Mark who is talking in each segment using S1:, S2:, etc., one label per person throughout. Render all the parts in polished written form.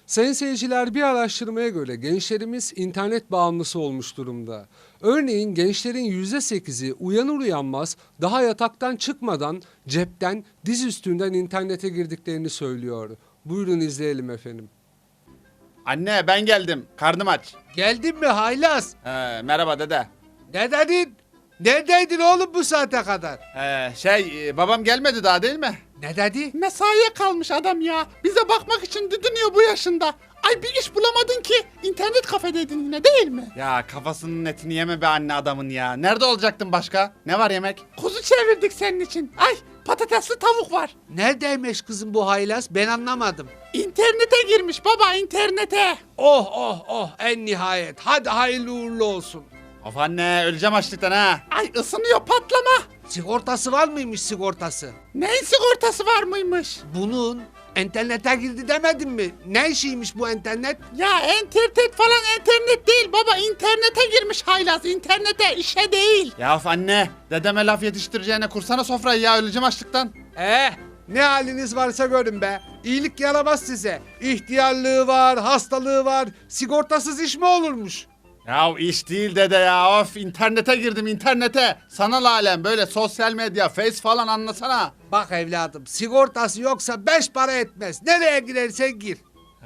S1: Sayın seyirciler, bir araştırmaya göre gençlerimiz internet bağımlısı olmuş durumda. Örneğin gençlerin %8'i uyanır uyanmaz daha yataktan çıkmadan cepten, diz üstünden internete girdiklerini söylüyor. Buyurun izleyelim efendim.
S2: Anne ben geldim. Karnım aç.
S1: Geldin mi haylaz?
S2: Merhaba dede.
S1: Ne dedin? Neredeydin oğlum bu saate kadar?
S2: Babam gelmedi daha değil mi?
S1: Ne dedi?
S3: Mesaiye kalmış adam ya. Bize bakmak için didiniyor bu yaşında. Ay bir iş bulamadın ki. İnternet kafedeydin yine değil mi?
S2: Ya kafasının etini yeme be anne adamın ya. Nerede olacaktın başka? Ne var yemek?
S3: Kuzu çevirdik senin için. Ay patatesli tavuk var.
S1: Neredeymiş kızım bu haylaz? Ben anlamadım.
S3: İnternete girmiş baba internete.
S1: Oh oh oh, en nihayet. Hadi hayırlı uğurlu olsun.
S2: Of anne öleceğim açlıktan ha.
S3: Ay ısınıyor patlama.
S1: Sigortası var mıymış sigortası?
S3: Neyin sigortası var mıymış?
S1: Bunun internete girdi demedin mi? Ne işiymiş bu internet?
S3: Ya internet falan internet değil baba. İnternete girmiş haylaz. İnternete işe değil.
S2: Ya of anne dedeme laf yetiştireceğine kursana sofrayı ya öleceğim açlıktan.
S1: Ne haliniz varsa görün be. İyilik yaramaz size. İhtiyarlığı var, hastalığı var. Sigortasız iş mi olurmuş?
S2: Ya iş değil dede ya of internete girdim internete. Sanal alem böyle sosyal medya face falan anlasana.
S1: Bak evladım, sigortası yoksa 5 para etmez. Nereye girersen gir.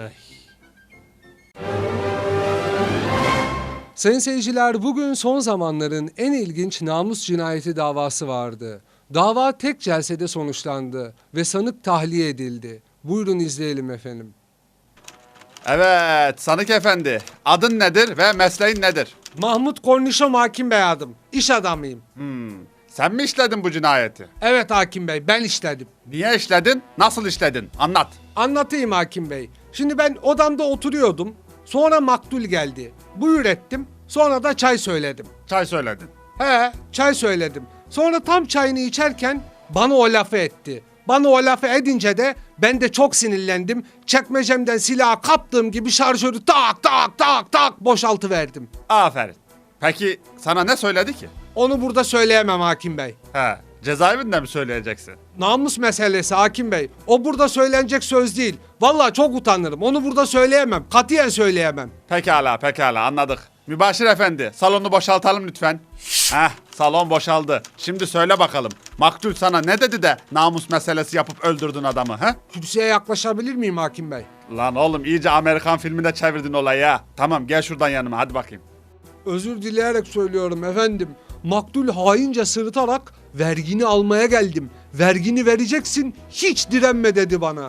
S1: Sayın seyirciler, bugün son zamanların en ilginç namus cinayeti davası vardı. Dava tek celsede sonuçlandı ve sanık tahliye edildi. Buyurun izleyelim efendim.
S2: Evet Sanık Efendi adın nedir ve mesleğin nedir?
S1: Mahmut Kornişom hakim bey adım. İş adamıyım.
S2: Sen mi işledin bu cinayeti?
S1: Evet hakim bey, ben işledim.
S2: Niye işledin? Nasıl işledin? Anlat.
S1: Anlatayım hakim bey. Şimdi ben odamda oturuyordum. Sonra maktul geldi. Buyur ettim. Sonra da çay söyledim.
S2: Çay söyledin.
S1: Çay söyledim. Sonra tam çayını içerken bana o lafı etti. Bana o lafı edince de ben de çok sinirlendim. Çekmecemden silahı kaptığım gibi şarjörü tak tak tak tak boşaltıverdim.
S2: Aferin. Peki sana ne söyledi ki?
S1: Onu burada söyleyemem hakim bey.
S2: Cezaevinde mi söyleyeceksin?
S1: Namus meselesi hakim bey. O burada söylenecek söz değil. Vallahi çok utanırım. Onu burada söyleyemem. Katiyen söyleyemem.
S2: Pekala anladık. Mübaşir Efendi salonu boşaltalım lütfen. Salon boşaldı. Şimdi söyle bakalım. Maktul sana ne dedi de namus meselesi yapıp öldürdün adamı he?
S1: Kürsüye yaklaşabilir miyim hakim bey?
S2: Lan oğlum iyice Amerikan filminde çevirdin olayı ya. Tamam gel şuradan yanıma hadi bakayım.
S1: Özür dileyerek söylüyorum efendim. Maktul haince sırıtarak vergini almaya geldim. Vergini vereceksin, hiç direnme dedi bana.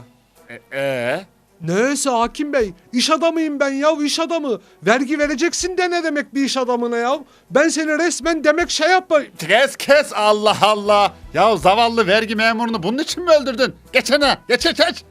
S1: Neyse hakim bey, iş adamıyım ben ya, iş adamı. Vergi vereceksin de ne demek bir iş adamına ya? Ben seni resmen demek şey yapayım.
S2: Kes Allah Allah. Ya zavallı vergi memurunu bunun için mi öldürdün? Geçene geç.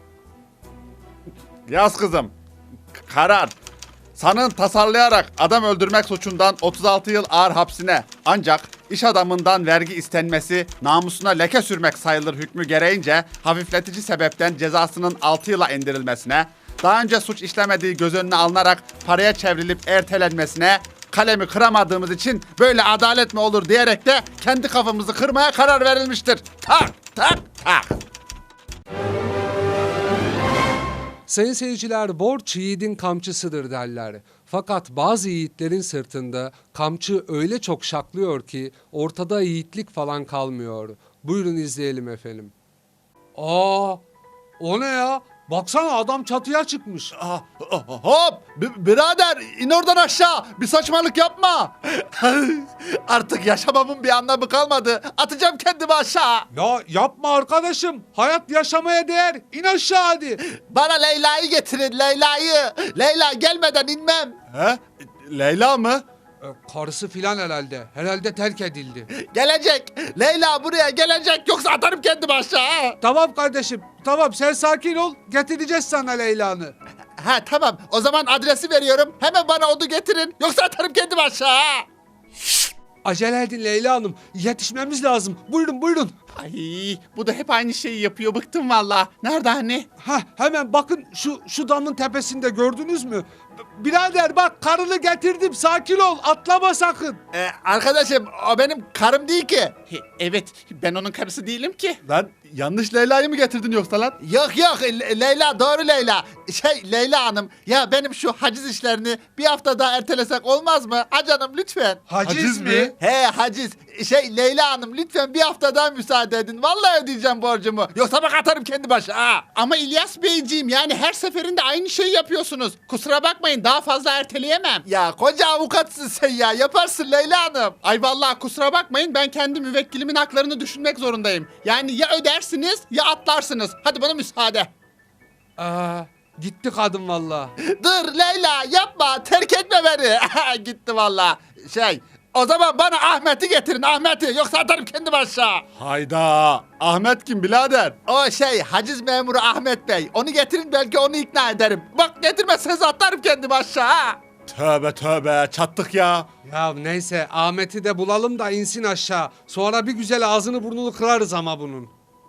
S2: Yaz kızım. Karar. Sanığın tasarlayarak adam öldürmek suçundan 36 yıl ağır hapsine ancak iş adamından vergi istenmesi namusuna leke sürmek sayılır hükmü gereğince hafifletici sebepten cezasının 6 yıla indirilmesine, daha önce suç işlemediği göz önüne alınarak paraya çevrilip ertelenmesine, kalemi kıramadığımız için böyle adalet mi olur diyerek de kendi kafamızı kırmaya karar verilmiştir. Tak.
S1: Sayın seyirciler, borç yiğidin kamçısıdır derler. Fakat bazı yiğitlerin sırtında kamçı öyle çok şaklıyor ki ortada yiğitlik falan kalmıyor. Buyurun izleyelim efendim. O ne ya? Baksana adam çatıya çıkmış.
S2: Hop! Birader in oradan aşağı. Bir saçmalık yapma. Artık yaşamamın bir anlamı kalmadı. Atacağım kendimi aşağı.
S1: Ya yapma arkadaşım. Hayat yaşamaya değer. İn aşağı hadi.
S2: Bana Leyla'yı getirin Leyla'yı. Leyla gelmeden inmem. Leyla mı?
S1: Karısı filan herhalde. Herhalde terk edildi.
S2: Gelecek. Leyla buraya gelecek. Yoksa atarım kendimi aşağı.
S1: Tamam kardeşim. Tamam sen sakin ol. Getireceğiz sana Leyla'nı.
S2: Tamam. O zaman adresi veriyorum. Hemen bana onu getirin. Yoksa atarım kendimi aşağı.
S1: Acele edin Leyla Hanım. Yetişmemiz lazım. Buyurun buyurun.
S3: Ay bu da hep aynı şeyi yapıyor. Bıktım valla. Nerede anne?
S1: Hah, hemen bakın şu damın tepesinde, gördünüz mü? Birader bak, karını getirdim, sakin ol, atlama sakın.
S3: Arkadaşım o benim karım değil ki. Evet ben onun karısı değilim ki.
S2: Lan yanlış Leyla'yı mı getirdin yoksa lan?
S3: Yok yok Leyla doğru Leyla. Leyla Hanım ya benim şu haciz işlerini bir hafta daha ertelesek olmaz mı? Ha canım lütfen.
S1: Haciz mi?
S3: He haciz. Leyla Hanım lütfen bir hafta daha müsaade edin. Vallahi ödeyeceğim borcumu. Yoksa bak atarım kendi başa ha. Ama İlyas Beyciğim yani her seferinde aynı şeyi yapıyorsunuz. Kusura bakmayın daha fazla erteleyemem. Ya koca avukatsın sen ya. Yaparsın Leyla Hanım. Ay vallahi kusura bakmayın ben kendi müvekkilimin haklarını düşünmek zorundayım. Yani ya ödersiniz ya atlarsınız. Hadi bana müsaade.
S1: Gitti kadın valla.
S3: Dur Leyla yapma terk etme beni. Gitti valla. O zaman bana Ahmet'i getirin Ahmet'i yoksa atarım kendim aşağı.
S2: Hayda. Ahmet kim birader?
S3: O haciz memuru Ahmet Bey. Onu getirin belki onu ikna ederim. Bak getirmezseniz atarım kendim aşağı.
S2: Tövbe tövbe çattık ya.
S1: Ya neyse, Ahmet'i de bulalım da insin aşağı. Sonra bir güzel ağzını burnunu kırarız ama bunun.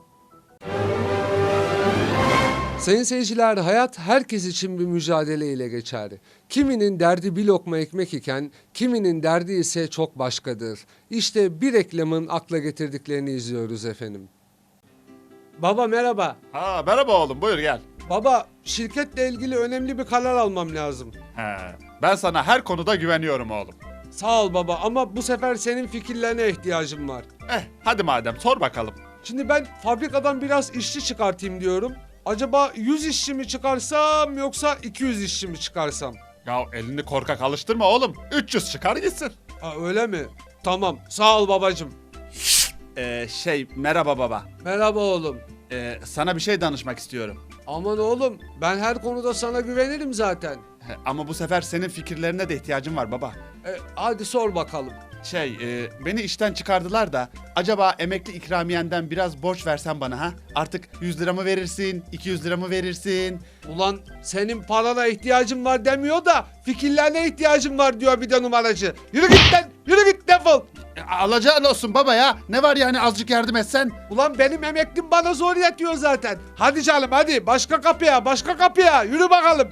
S1: Sayın seyirciler, hayat herkes için bir mücadele ile geçer. Kiminin derdi bir lokma ekmek iken, kiminin derdi ise çok başkadır. İşte bir reklamın akla getirdiklerini izliyoruz efendim. Baba merhaba.
S2: Ha merhaba oğlum buyur gel.
S1: Baba, şirketle ilgili önemli bir karar almam lazım.
S2: He, ben sana her konuda güveniyorum oğlum.
S1: Sağ ol baba, ama bu sefer senin fikirlerine ihtiyacım var.
S2: Hadi madem sor bakalım.
S1: Şimdi ben fabrikadan biraz işçi çıkartayım diyorum. Acaba 100 işçi mi çıkarsam yoksa 200 işçi mi çıkarsam?
S2: Ya elini korkak alıştırma oğlum. 300 çıkar gitsin.
S1: Ha, öyle mi? Tamam, sağ ol babacığım.
S2: Merhaba baba.
S1: Merhaba oğlum.
S2: Sana bir şey danışmak istiyorum.
S1: Aman oğlum, ben her konuda sana güvenirim zaten.
S2: Ama bu sefer senin fikirlerine de ihtiyacım var baba.
S1: Hadi sor bakalım.
S2: Beni işten çıkardılar da acaba emekli ikramiyenden biraz borç versen bana ha? Artık 100 lira mı verirsin, 200 lira mı verirsin?
S1: Ulan senin parana ihtiyacım var demiyor da fikirlerine ihtiyacım var diyor bir de numaracı. Yürü git lan, yürü git, defol.
S2: Alacağın olsun baba ya. Ne var yani azıcık yardım etsen?
S1: Ulan benim emeklim bana zor yetiyor zaten. Hadi canım hadi, başka kapıya, başka kapıya, yürü bakalım.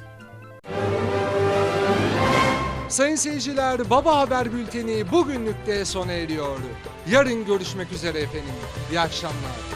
S1: Sayın seyirciler, Baba Haber Bülteni bugünlük de sona eriyor. Yarın görüşmek üzere efendim. İyi akşamlar.